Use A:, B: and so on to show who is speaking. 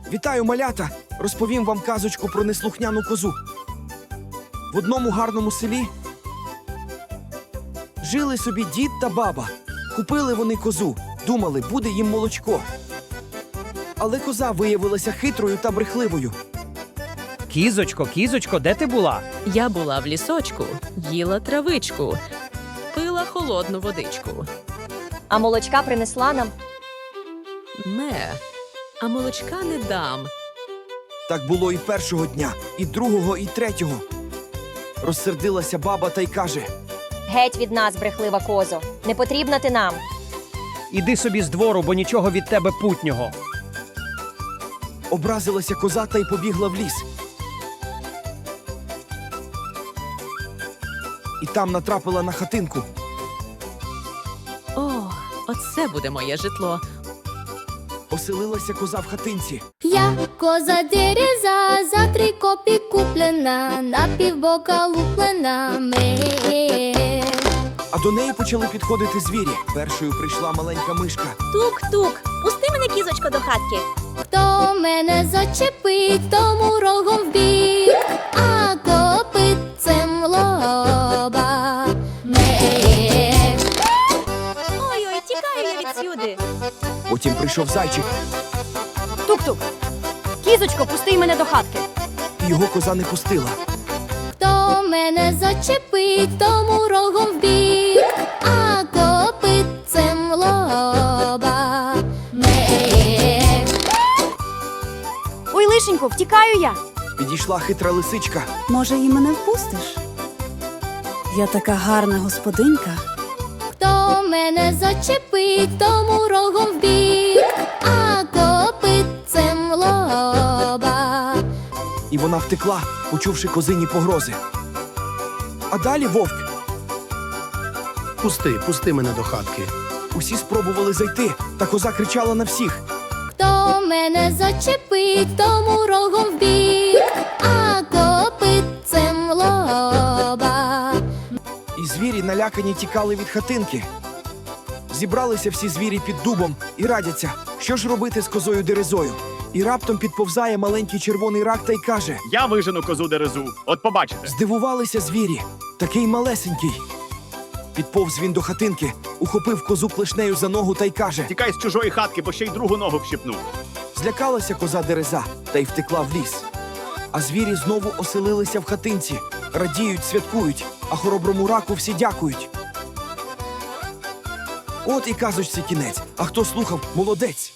A: Вітаю, малята! Розповім вам казочку про неслухняну козу. В одному гарному селі жили собі дід та баба. Купили вони козу, думали, буде їм молочко. Але коза виявилася хитрою та брехливою.
B: Кізочко, кізочко, де ти була?
C: Я була в лісочку, їла травичку, пила холодну водичку.
D: А молочка принесла нам.
C: А молочка не дам.
A: Так було і першого дня, і другого, і третього. Розсердилася баба та й каже:
D: Геть від нас, брехлива козо. Не потрібна ти нам.
B: Іди собі з двору, бо нічого від тебе путнього.
A: Образилася коза та й побігла в ліс. І там натрапила на хатинку.
C: О, оце буде моє житло.
A: Оселилася коза в хатинці.
E: Я коза дереза, за 3 копі куплена, на півбока луплена.
A: А до неї почали підходити звірі. Першою прийшла маленька мишка.
E: Тук-тук, пусти мене, кізочко, до хатки. Хто мене зачепить, тому рогом в бік, а копитцем лоба.
F: Ой-ой, тікаю я відсюди.
A: Потім прийшов зайчик,
F: Тук-тук. Кізочко, пусти мене до хатки.
A: і його коза не пустила.
E: Хто мене зачепить, тому рогом в бік, а копитцем лоба.
F: Ой, лишенько, втікаю я.
A: Підійшла хитра лисичка.
G: Може, і мене впустиш? Я така гарна господинька.
E: Хто мене зачепить, тому рогом в бік, а копитцем лоба.
A: І вона втекла, почувши козині погрози. А далі вовк.
H: Пусти мене до хатки.
A: Усі спробували зайти, та коза кричала на всіх.
E: Хто мене зачепить, тому рогом в бік, а копитцем лоба.
A: І звірі налякані тікали від хатинки. Зібралися всі звірі під дубом і радяться, що ж робити з козою Дерезою. І раптом підповзає маленький червоний рак та й каже:
I: Я вижену козу Дерезу, от побачите.
A: Здивувалися звірі, такий малесенький. Підповз він до хатинки, ухопив козу клешнею за ногу та й каже:
I: Тікай з чужої хатки, бо ще й другу ногу вщипнув.
A: Злякалася коза Дереза та й втекла в ліс. А звірі знову оселилися в хатинці, радіють, святкують, а хороброму раку всі дякують. От і казочці кінець. А хто слухав, молодець!